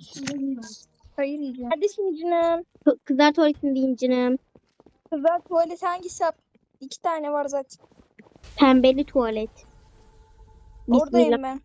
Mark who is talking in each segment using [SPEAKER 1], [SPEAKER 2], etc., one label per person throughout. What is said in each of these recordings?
[SPEAKER 1] Hayır yiyeceğim. Neredesin canım?
[SPEAKER 2] Kızlar tuvaletindeyim canım.
[SPEAKER 1] Kızlar tuvalet hangisi? 2 tane var zaten.
[SPEAKER 2] Pembeli tuvalet. Bismillah.
[SPEAKER 1] Oradayım ben.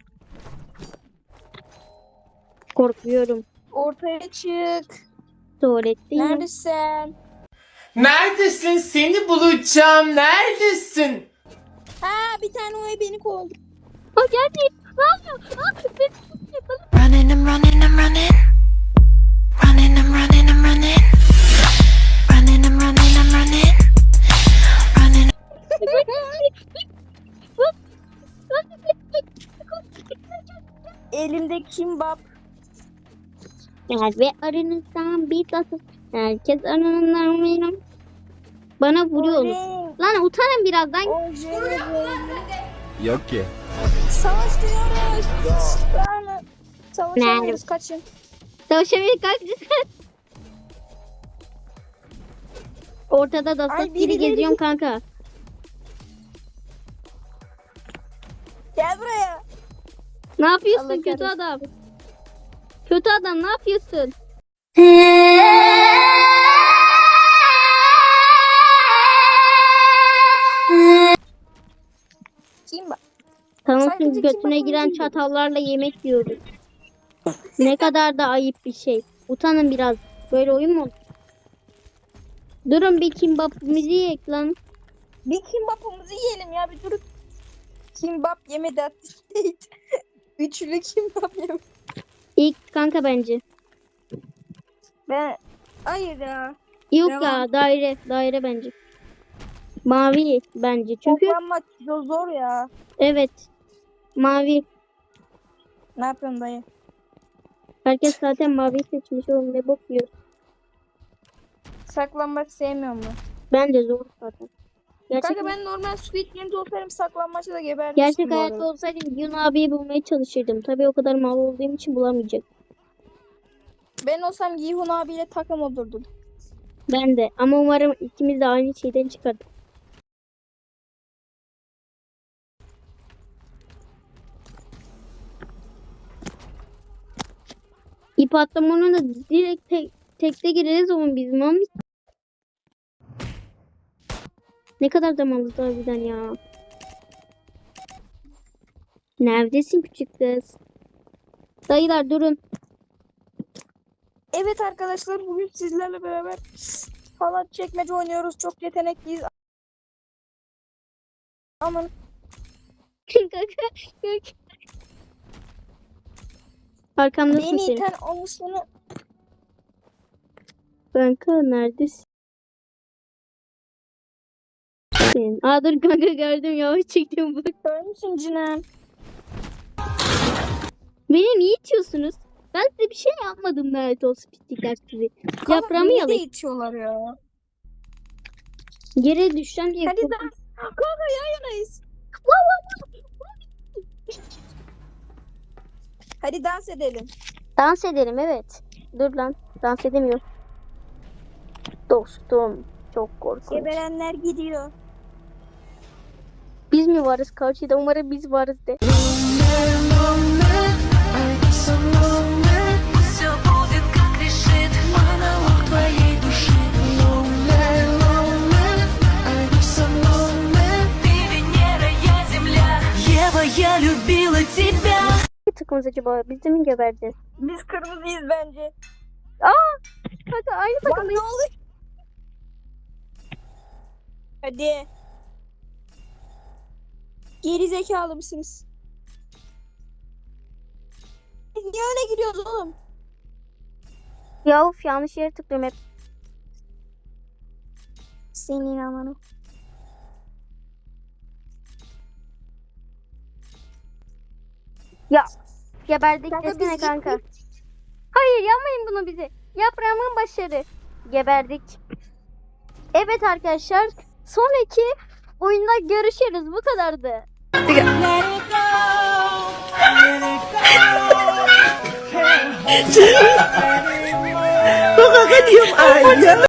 [SPEAKER 2] Korkuyorum.
[SPEAKER 1] Ortaya çık.
[SPEAKER 2] Tuvaletteyim.
[SPEAKER 1] Neredesin?
[SPEAKER 3] Neredesin? Seni bulacağım. Neredesin?
[SPEAKER 1] Ha, bir tane o beni kovdu.
[SPEAKER 2] O geldi. Ne yapıyor?
[SPEAKER 4] Running, I'm running, I'm running. Running, I'm running, I'm running. Running, I'm running, I'm running. Running.
[SPEAKER 1] Elimde kimbap.
[SPEAKER 2] Gel ve aranızdan bir tasın. Herkes aranızdan benim. Bana vuruyorsunuz. Lan utanın birazdan.
[SPEAKER 5] Yok ki.
[SPEAKER 1] Savaş diyoruz. Savaşamıyoruz, kaçın.
[SPEAKER 2] Savaşamayız kalkacağız. Ortada da
[SPEAKER 1] Ay,
[SPEAKER 2] sas gibi
[SPEAKER 1] birileri-
[SPEAKER 2] geziyorum kanka.
[SPEAKER 1] Gel buraya.
[SPEAKER 2] Ne yapıyorsun
[SPEAKER 1] Allah
[SPEAKER 2] kötü
[SPEAKER 1] kahretsin.
[SPEAKER 2] adam? Kötü adam ne yapıyorsun?
[SPEAKER 1] Kimbap.
[SPEAKER 2] Tamam
[SPEAKER 1] Sadece
[SPEAKER 2] şimdi götüne
[SPEAKER 1] kimbapın
[SPEAKER 2] giren
[SPEAKER 1] değil.
[SPEAKER 2] çatallarla yemek yiyoruz. Ne kadar da ayıp bir şey. Utanın biraz. Böyle oyun mu olur? Durun bir kimbapımızı yiyek lan.
[SPEAKER 1] Bir kimbapımızı yiyelim ya, bir durup. Kimbap yemedi hatta. Üçlü kimbap yemedi.
[SPEAKER 2] İlk kanka bence.
[SPEAKER 1] Ben... Hayır ya.
[SPEAKER 2] Yok
[SPEAKER 1] Devam.
[SPEAKER 2] ya daire bence. Mavi bence çünkü
[SPEAKER 1] Toplanmak zor ya.
[SPEAKER 2] evet mavi.
[SPEAKER 1] Ne yapıyorsun dayı?
[SPEAKER 2] Herkes zaten mavi seçmiş oğlum ne bakıyor.
[SPEAKER 1] Saklanmak sevmiyorum ben.
[SPEAKER 2] Bence zor zaten. Gerçek,
[SPEAKER 1] Kanka ben normal Squid Game'de olsaydım saklanmaçta da gebermiştim
[SPEAKER 2] gerçek
[SPEAKER 1] bu
[SPEAKER 2] hayatta
[SPEAKER 1] arada.
[SPEAKER 2] olsaydım Yun abiyi bulmaya çalışırdım. Tabii o kadar mal olduğum için bulamayacak.
[SPEAKER 1] Ben olsam Yihun abiyle takım olurdum.
[SPEAKER 2] Ben de ama umarım ikimiz de aynı şeyden çıkardık. İp atlamanın da direkt tekte gireriz oğlum biz mami. Ne kadar zamanımız var birden ya. Neredesin küçük kız? Dayılar durun.
[SPEAKER 1] Evet arkadaşlar, bugün sizlerle beraber halat çekmece oynuyoruz. Çok yetenekliyiz. Aman
[SPEAKER 2] Arkamdasın
[SPEAKER 1] beni
[SPEAKER 2] senin.
[SPEAKER 1] iten olmuşunu.
[SPEAKER 2] Kanka neredesin? Aa dur kanka gördüm yavaş çektim bak.
[SPEAKER 1] Görmüşsün cinem.
[SPEAKER 2] Beni niye itiyorsunuz? Ben size bir şey yapmadım lanet olsun pislikler sizi. Yaprağımı
[SPEAKER 1] Beni de
[SPEAKER 2] yalayın.
[SPEAKER 1] itiyorlar ya.
[SPEAKER 2] Yere düşeceğim diye
[SPEAKER 1] Hadi
[SPEAKER 2] korktum.
[SPEAKER 1] Kanka yan yanayız. Hadi dans edelim.
[SPEAKER 2] Dans edelim evet. Dur lan dans edemiyorum. Dostum çok korkunç.
[SPEAKER 1] Geberenler gidiyor.
[SPEAKER 2] Biz mi varız karşıda umarım biz varız de.
[SPEAKER 4] Все будет, как решит монолог твоей души. Ты Венера, я Земля. Ева, я любила тебя.
[SPEAKER 2] Ne takımız acaba? Biz de mi gebereceğiz?
[SPEAKER 1] Biz kırmızıyız bence.
[SPEAKER 2] Kanka aynı
[SPEAKER 1] Lan
[SPEAKER 2] takımdayız.
[SPEAKER 1] ne olur? Hadi. Geri zekalı mısınız? Biz niye öyle gidiyoruz oğlum?
[SPEAKER 2] Ya of yanlış yere tıklıyorum hep.
[SPEAKER 1] Senin amanı.
[SPEAKER 2] Ya geberdik
[SPEAKER 1] Kanka
[SPEAKER 2] desene
[SPEAKER 1] biz
[SPEAKER 2] kanka.
[SPEAKER 1] gittik.
[SPEAKER 2] Hayır yapmayın bunu bize. Yaprağımın başarı. Geberdik. Evet arkadaşlar. Sonraki oyunda görüşürüz. Bu kadardı.
[SPEAKER 3] Baka ka diyom ayaw.